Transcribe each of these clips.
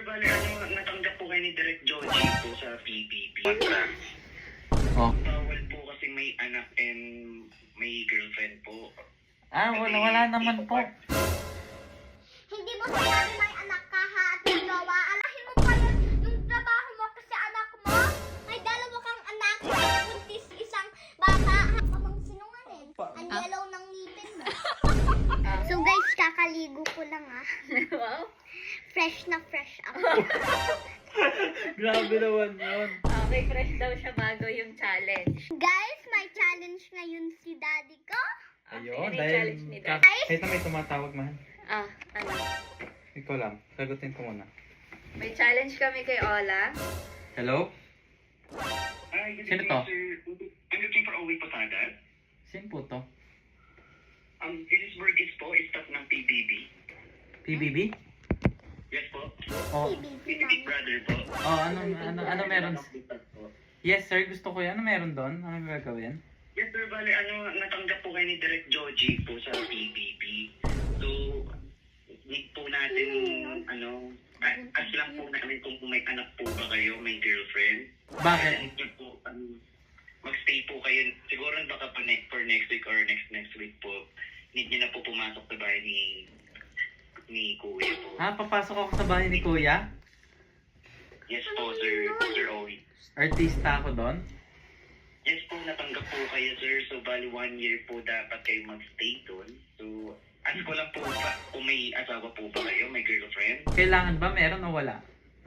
bali natanggap po kayo ni Direk Joji po sa PBB. Oh. Bawal po kasi may anak and may girlfriend po. Wala naman po. Hindi mo sinabi may anak ka ha at may jowa. Alahin mo pa yung trabaho mo kasi anak mo. May dalawa kang anak, buntis isang bata. Kamang sinungaling. Ang yellow ng ngipin mo. So guys, kakaligo ko lang ah. Wow. Fresh na fresh ako. Grabe naman yun. Okay, fresh daw siya bago yung challenge. Guys, may challenge ngayon si daddy ko. Ayun, Ano yung dahil challenge ni Dad? kahit na may tumatawag man. Ano? Ikaw lang, sagutin ko muna. May challenge kami kay Ola. Hello? Hi, good Sino evening, to? sir. I'm looking for Owi Posada. Sino po to? This is Burgess po, staff ng PBB. PBB? Yes po. Oh, PBB brother po. ano meron? Yes sir, gusto ko yan. Ano meron doon? Ano gagawin? Yes sir, bali natanggap po kayo ni Direk Joji po sa PBB. So, need po natin, ask lang po namin kung may anak po ba kayo, may girlfriend. Bakit? Need nyo po, magstay po kayo, siguro baka pa for next week or next week po, need nyo na po pumasok sa bahay ni Kuya po. Papasok ako sa bahay ni Kuya? Yes po, Sir Owi. Artista ako doon? Yes po, natanggap po kayo, sir. So, bali 1 year po dapat kayo magstay doon. So, ask ko lang po ba, kung may asawa po ba kayo, may girlfriend? Kailangan ba meron o wala?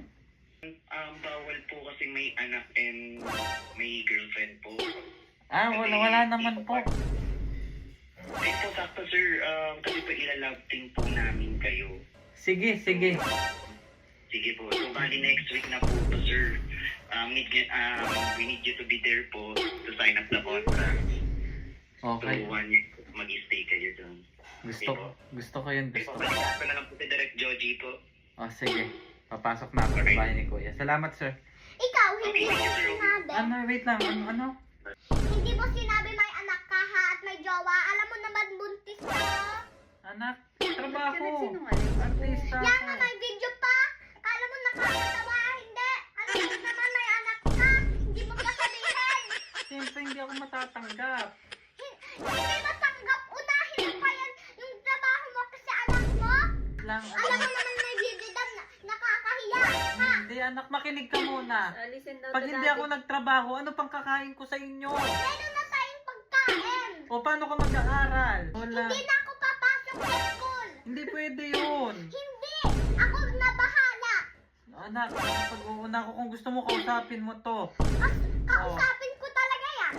Bawal po kasi may anak and may girlfriend po. Wala naman po. Ay po, sakto, sir. Kasi po ilalove team po namin kayo. Sige. Sige po. So, bali next week na po to, sir. We need you to be there po to sign up the contract. Okay. So, 1 year mag-stay kayo doon. Gusto ko yun. Okay po, balikan ko na lang po si Direk Joji po. Sige. Papasok na ako sa bahay ni Kuya. Salamat sir. Ikaw, hindi mo sinabi. Wait lang. Ano? Hindi mo sinabi may anak ka ha at may jowa. Alam mo naman buntis ka. Anak, Bakit trabaho. ka nagsinungaling? Artista Yan nga, ako. may video pa. Kala mo nakakatawa, hindi. Alam mo naman may anak ka. Hindi mo pa sabihin. Siyempre hindi ako matatanggap. Hindi matanggap. Unahin mo pa yan yung trabaho mo kasi anak mo. Alam mo naman may video na nakakahiya. Ha? Hindi anak, makinig ka muna. Listen daw Pag to hindi Daddy. ako nagtrabaho, ano pang kakain ko sa inyo? Meron na tayong pagkain. O paano ka mag-aaral? Wala. Hindi na ako papasok sa school. Hindi pwede yun. Hindi. Ako na bahala. Anak, pag-uuna ko kung gusto mo kausapin mo to. Kausapin ko talaga yan.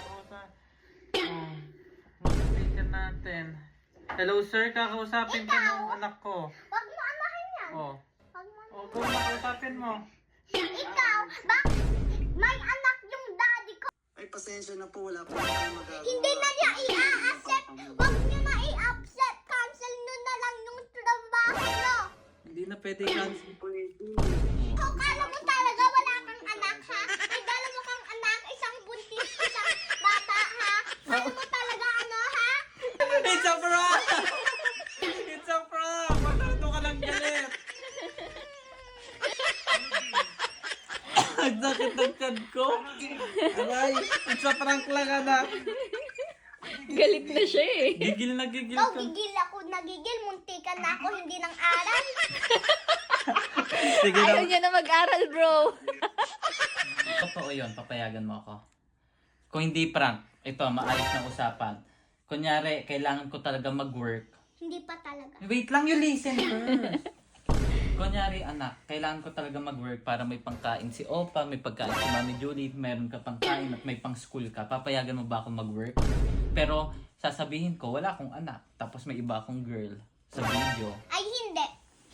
Speaker natin. Hello sir, kakausapin ka ng anak ko. Huwag mo anahin yan. Oh. Huwag mo O, kung kausapin mo. Ikaw, bakit may anak yung daddy ko? Ay, pasensya na po. Wala po tayo magagawa. Hindi na niya i-accept. Huwag niyo na i-accept. Cancel nyo na lang yung trabaho nyo. Hindi na pwede cancel. Ikaw, kala mo talaga wala kang anak, ha? May dalawa kang anak, isang buntis, isang bata, ha? Kala mo talaga ano, ha? It's a prank! It's a prank! Matuto ka lang galit! Ang sakit ng tiyan ko! Aray! It's a prank lang, anak! Galit na siya eh. Gigil na gigil Ikaw, ka. gigil ako, nagigil. Muntikan na ako, hindi ng aral. Sige Ayaw na. niya na mag-aral, bro. Totoo yun, papayagan mo ako. Kung hindi prank, ito, maayos na usapan. Kunyari, kailangan ko talaga mag-work. Hindi pa talaga. Wait lang, you listen first. Kunyari, anak, kailangan ko talaga mag-work para may pangkain si Opa, may pagkain si Mami Julie, meron ka pangkain at may pang-school ka. Papayagan mo ba akong mag-work? Pero, sasabihin ko, wala akong anak. Tapos may iba akong girl sa video. Ay, hindi.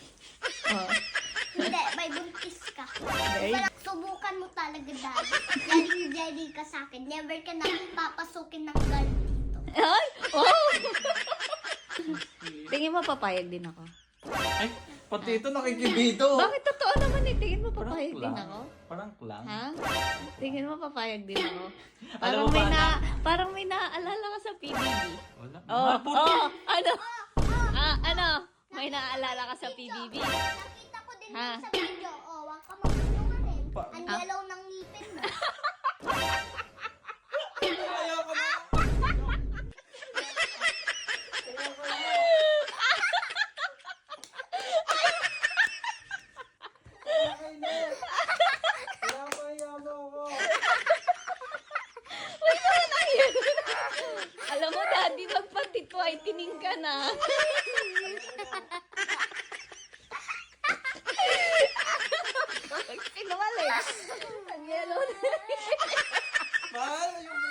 Hindi, may buntis ka. Subukan mo talaga, daddy. Jaring-jari ka sa akin. Never ka na papasukin ng girl dito. Ay! Oh! Tingin mo papayag din ako. Ay, pati ito nakikibito. Bakit totoo naman eh? Tingin mo papayag din ako? Parang lang. Ha? Tingin mo papayag din ako? Alam mo ba, Parang may naaalala ka sa PBB. Wala. Oh, Puti. ano? May naaalala ka sa PBB. Nakita ko din Ha? sa video. Nagsisinungaling ka na. Sinungaling. Ang yellow na. Mahal, yung...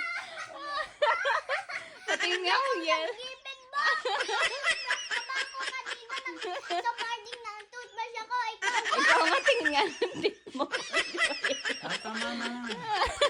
Pati nga ang yellow. Gipin mo! Ako kanina sa morning na toothbrush ako. Ikaw Ikaw nga tingin nga ng tit mo. Ay, tama na.